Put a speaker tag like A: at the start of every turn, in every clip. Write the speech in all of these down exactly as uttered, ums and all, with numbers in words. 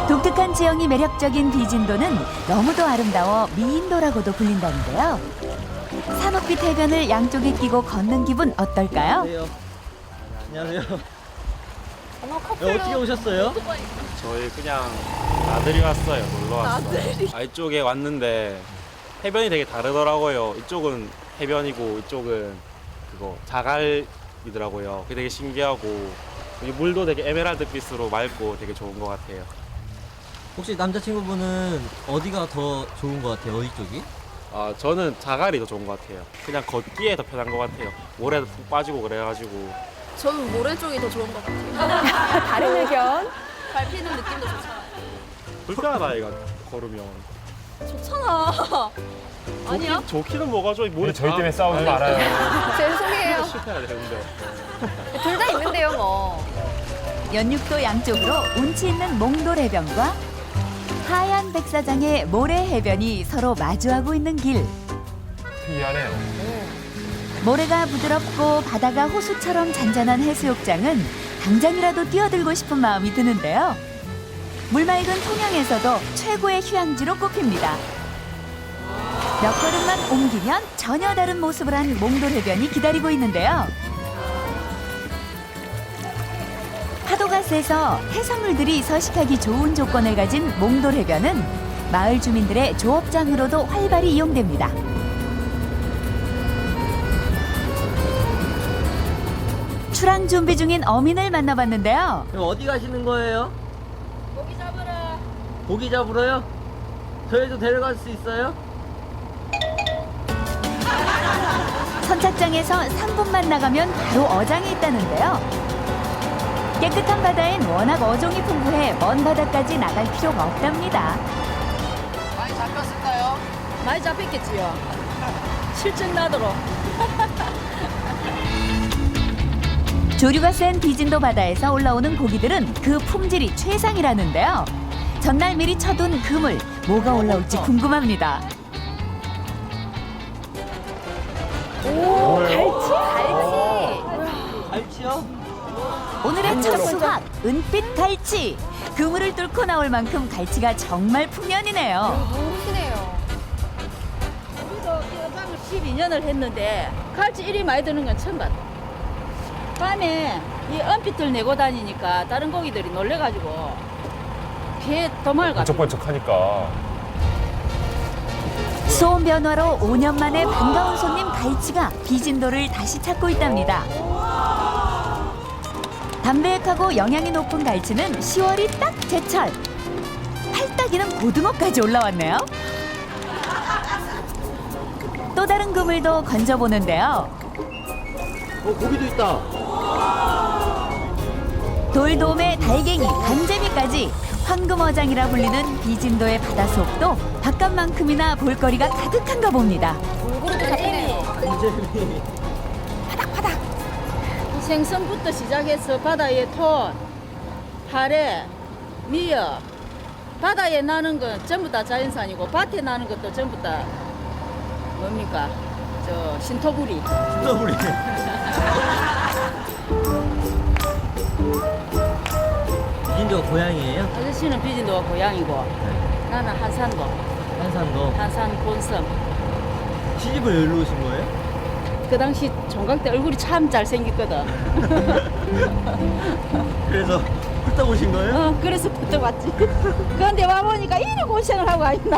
A: 독특한 지형이 매력적인 비진도는 너무도 아름다워 미인도라고도 불린다는데요. 산옥빛 해변을 양쪽에 끼고 걷는 기분 어떨까요?
B: 안녕하세요. 안녕하세요.
C: 어머
B: 야,
C: 커플로
B: 어떻게 오셨어요?
D: 저희 그냥 나들이 왔어요. 놀러 왔어요.
C: 나들이.
D: 아, 이쪽에 왔는데 해변이 되게 다르더라고요. 이쪽은 해변이고 이쪽은 그거 자갈이더라고요. 그게 되게 신기하고 이 물도 되게 에메랄드빛으로 맑고 되게 좋은 것 같아요.
B: 혹시 남자친구분은 어디가 더 좋은 것 같아요? 어디 쪽이?
D: 아, 저는 자갈이 더 좋은 것 같아요. 그냥 걷기에 더 편한 것 같아요. 모래도 푹 빠지고 그래가지고.
C: 저는 모래 쪽이 더 좋은 것 같아요.
E: 다른 의견.
C: 밟히는 느낌도 좋잖아요.
D: 불편하다 이거 걸으면.
C: 좋잖아. 아니야?
D: 좋긴, 좋기는 뭐가 좋아. 모래
F: 저희
D: 다-
F: 때문에 싸우지
D: 아니,
F: 말아요.
E: 죄송해요.
D: 실패해야 되는데.
E: 둘 다 있는데요, 뭐.
A: 연육도 양쪽으로 운치 있는 몽돌 해변과 하얀 백사장의 모래 해변이 서로 마주하고 있는 길.
F: 특이하네요.
A: 모래가 부드럽고 바다가 호수처럼 잔잔한 해수욕장은 당장이라도 뛰어들고 싶은 마음이 드는데요. 물맑은 통영에서도 최고의 휴양지로 꼽힙니다. 몇 걸음만 옮기면 전혀 다른 모습을 한 몽돌 해변이 기다리고 있는데요. 파도가 세서 해산물들이 서식하기 좋은 조건을 가진 몽돌 해변은 마을 주민들의 조업장으로도 활발히 이용됩니다. 출항 준비 중인 어민을 만나봤는데요.
B: 그럼 어디 가시는 거예요?
C: 고기 잡으러.
B: 고기 잡으러요? 저희도 데려갈 수 있어요?
A: 선착장에서 삼 분만 나가면 바로 어장이 있다는데요. 깨끗한 바다엔 워낙 어종이 풍부해 먼 바다까지 나갈 필요가 없답니다.
C: 많이 잡혔을까요? 많이 잡혔겠지요. 실증 나도록.
A: 조류가 센 비진도 바다에서 올라오는 고기들은 그 품질이 최상이라는데요. 전날 미리 쳐둔 그물, 뭐가 올라올지 궁금합니다.
E: 오, 갈치, 갈치.
B: 갈치요?
A: 오늘의 첫 수확, 은빛 갈치. 그물을 뚫고 나올 만큼 갈치가 정말 풍년이네요.
E: 모르시네요.
C: 우리도 이 어장을 십이 년을 했는데 갈치 일이 많이 드는 건 처음 봤다. 밤에 이 은빛을 내고 다니니까 다른 고기들이 놀래가지고 배에 도망을 갔다.
F: 번쩍번쩍하니까.
A: 수온 변화로 오 년 만에 반가운 손님 갈치가 비진도를 다시 찾고 있답니다. 담백하고 영양이 높은 갈치는 시월이 딱 제철. 팔딱이는 고등어까지 올라왔네요. 또 다른 그물도 건져보는데요.
B: 어, 고기도 있다.
A: 돌돔에 달갱이, 간재미까지 황금어장이라 불리는 비진도의 바닷속도 바깥만큼이나 볼거리가 가득한가 봅니다.
E: 물고기도 잡히네요.
B: 간재미.
C: 생선부터 시작해서 바다의 톤, 하래, 미역, 바다에 나는 건 전부 다 자연산이고 밭에 나는 것도 전부 다 뭡니까? 저 신토부리.
B: 신더블이. 비진도가 고향이에요?
C: 아저씨는 비진도가 고향이고 나는 한산도,
B: 한산도.
C: 한산 본섬.
B: 시집을 여기로 오신 거예요?
C: 그 당시 종각 때 얼굴이 참 잘생겼거든.
B: 그래서 훑다 오신 거예요?
C: 어, 그래서 부터 왔지. 그런데 와보니까 이리 고생을 하고 와있나.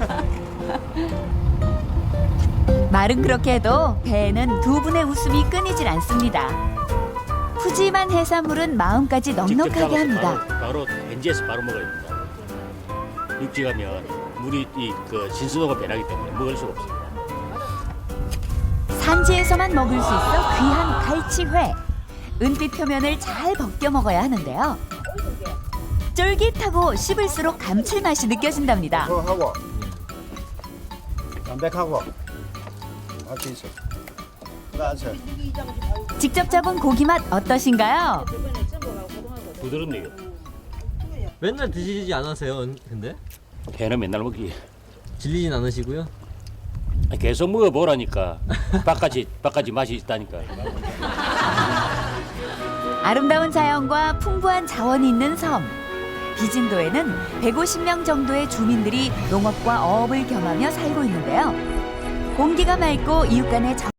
A: 말은 그렇게 해도 배에는 두 분의 웃음이 끊이질 않습니다. 푸짐한 해산물은 마음까지 넉넉하게 합니다.
G: 바로, 바로 현지에서 바로 먹어야 됩니다. 육지 가면 물이 이 그 신선도가 변하기 때문에 먹을 수가 없습니다.
A: 산지에서만 먹을 수 있어 귀한 갈치회. 은빛 표면을 잘 벗겨 먹어야 하는데요. 쫄깃하고 씹을수록 감칠맛이 느껴진답니다.
H: 하고 담백하고 맛이 있어. 맞아.
A: 직접 잡은 고기 맛 어떠신가요?
G: 부드럽네요.
B: 맨날 드시지 않으세요? 은- 근데?
G: 회는 맨날 먹기.
B: 질리진 않으시고요?
G: 계속 먹어보라니까. 바까지, 바까지 맛이 있다니까.
A: 아름다운 자연과 풍부한 자원이 있는 섬. 비진도에는 백오십 명 정도의 주민들이 농업과 어업을 겸하며 살고 있는데요. 공기가 맑고 이웃 간의 정